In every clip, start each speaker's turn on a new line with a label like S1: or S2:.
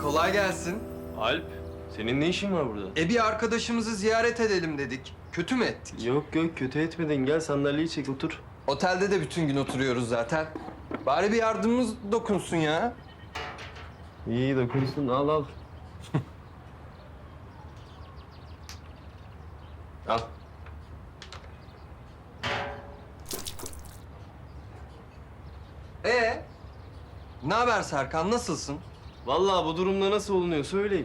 S1: Kolay gelsin.
S2: Alp, senin ne işin var burada?
S1: Bir arkadaşımızı ziyaret edelim dedik. Kötü mü ettik?
S2: Yok kötü etmedin. Gel sandalyeyi çek otur.
S1: Otelde de bütün gün oturuyoruz zaten. Bari bir yardımımız dokunsun ya.
S2: İyi dokunsun al. Al.
S1: Ne haber Serkan, nasılsın?
S2: Vallahi bu durumda nasıl olunuyor söyleyin.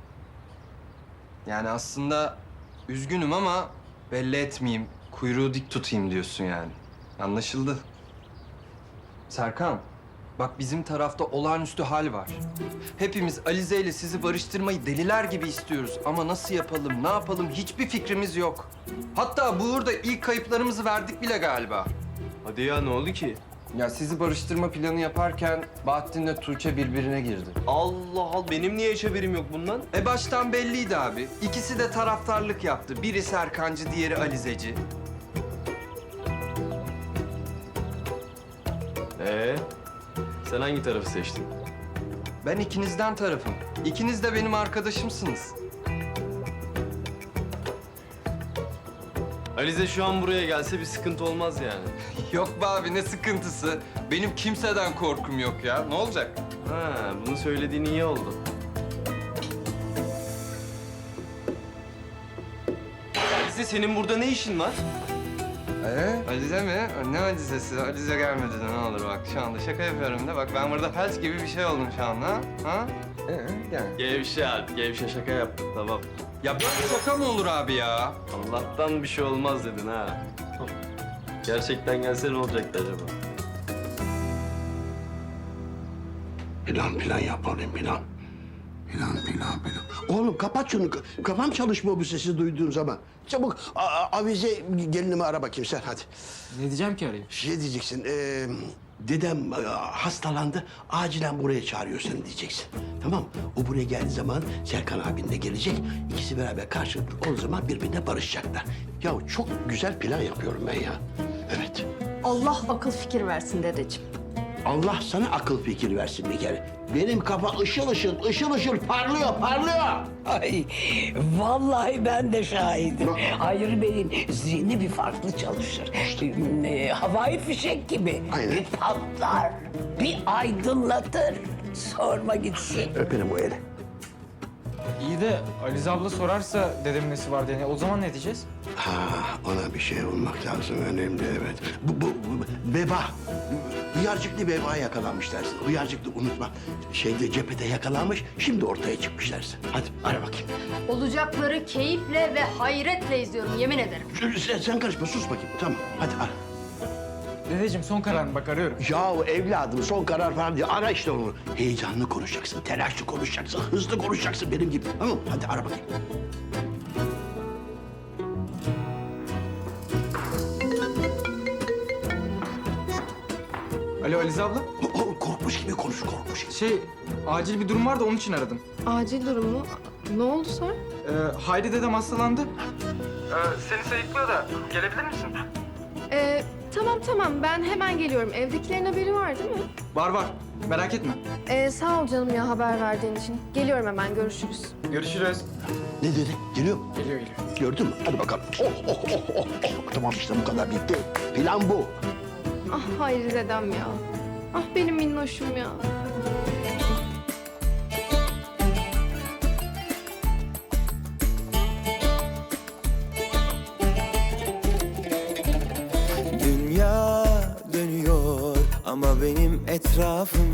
S1: Yani aslında üzgünüm ama belli etmeyeyim, kuyruğu dik tutayım diyorsun yani. Anlaşıldı. Serkan, bak bizim tarafta olağanüstü hal var. Hepimiz Alize ile sizi barıştırmayı deliler gibi istiyoruz. Ama nasıl yapalım, ne yapalım hiçbir fikrimiz yok. Hatta bu uğurda ilk kayıplarımızı verdik bile galiba.
S2: Hadi ya ne oldu ki?
S1: Ya sizi barıştırma planı yaparken Bahattin'le Tuğçe birbirine girdi.
S2: Allah Allah benim niye hiç haberim yok bundan?
S1: Baştan belliydi abi. İkisi de taraftarlık yaptı. Biri Serkancı, diğeri Alizeci.
S2: Sen hangi tarafı seçtin?
S1: Ben ikinizden tarafım. İkiniz de benim arkadaşımsınız.
S2: Alize şu an buraya gelse bir sıkıntı olmaz yani.
S1: Yok be abi, ne sıkıntısı. Benim kimseden korkum yok ya. Ne olacak?
S2: Ha, bunu söylediğin iyi oldu. Alize senin burada ne işin var?
S1: Alize mi? Ne Alize'si? Alize gelmedi de ne olur bak. Şu anda şaka yapıyorum da. Bak ben burada felç gibi bir şey oldum şu anda. Ha? Yani.
S2: Gevşe Alp, gevşe şaka yaptım tamam.
S1: Ya böyle şaka mı olur abi ya?
S2: Allah'tan bir şey olmaz dedin ha. Gerçekten gelse ne olacaktı acaba?
S3: Plan yapalım plan. Plan. Oğlum kapat şunu. Kafam çalışmıyor bu sesi duyduğun zaman. Çabuk avize gelinimi ara bakayım sen hadi.
S4: Ne diyeceğim ki arayayım?
S3: Şey diyeceksin. Dedem hastalandı. Acilen buraya çağırıyor seni diyeceksin. Tamam. O buraya geldiği zaman Serkan abin de gelecek. İkisi beraber karşılıklı o zaman birbirine barışacaklar. Ya çok güzel plan yapıyorum ben ya. Evet.
S5: Allah akıl fikir versin dedeciğim.
S3: Allah sana akıl fikir versin bir kere. Benim kafa ışıl ışıl parlıyor.
S6: Ay vallahi ben de şahidim. Hayır Bey'in zihni bir farklı çalışır. Havai fişek gibi.
S3: Aynen.
S6: Bir patlar, bir aydınlatır. Sorma gitsin.
S3: Öperim o eli.
S4: İyi de Alize abla sorarsa dedemin nesi var diye o zaman ne diyeceğiz?
S3: Ha, ona bir şey olmak lazım. Önemli evet. Bu veba. Hıyarcıklı veba yakalanmış dersin. Hıyarcıklı unutma. Cephede yakalanmış. Şimdi ortaya çıkmış dersin. Hadi ara bakayım.
S5: Olacakları keyifle ve hayretle izliyorum yemin ederim.
S3: Sen karışma sus bakayım. Tamam hadi ara.
S4: Dedeciğim son kararını bak arıyorum.
S3: Yahu evladım son karar falan diye ara işte onu. Heyecanlı konuşacaksın, telaşlı konuşacaksın, hızlı konuşacaksın benim gibi. Tamam mı? Hadi ara bakayım.
S4: Alo Alize abla.
S3: Oğlum korkmuş gibi konuş.
S4: Acil bir durum var da onun için aradım.
S7: Acil durum mu? Ne oldu Sarp?
S4: Hayri dedem hastalandı. Seni sayıklıyor da gelebilir misin?
S7: Tamam ben hemen geliyorum. Evdekilerin haberi var değil mi?
S4: Var merak etme.
S7: Sağ ol canım ya haber verdiğin için. Geliyorum hemen görüşürüz.
S4: Görüşürüz.
S3: Ne dedi? Geliyor mu?
S4: Geliyor.
S3: Gördün mü? Hadi bakalım. Oh. Tamam işte bu kadar bitti. Plan bu.
S7: Ah Hayri dedem ya. Ah benim minnoşum ya.
S8: Dünya dönüyor ama benim etrafım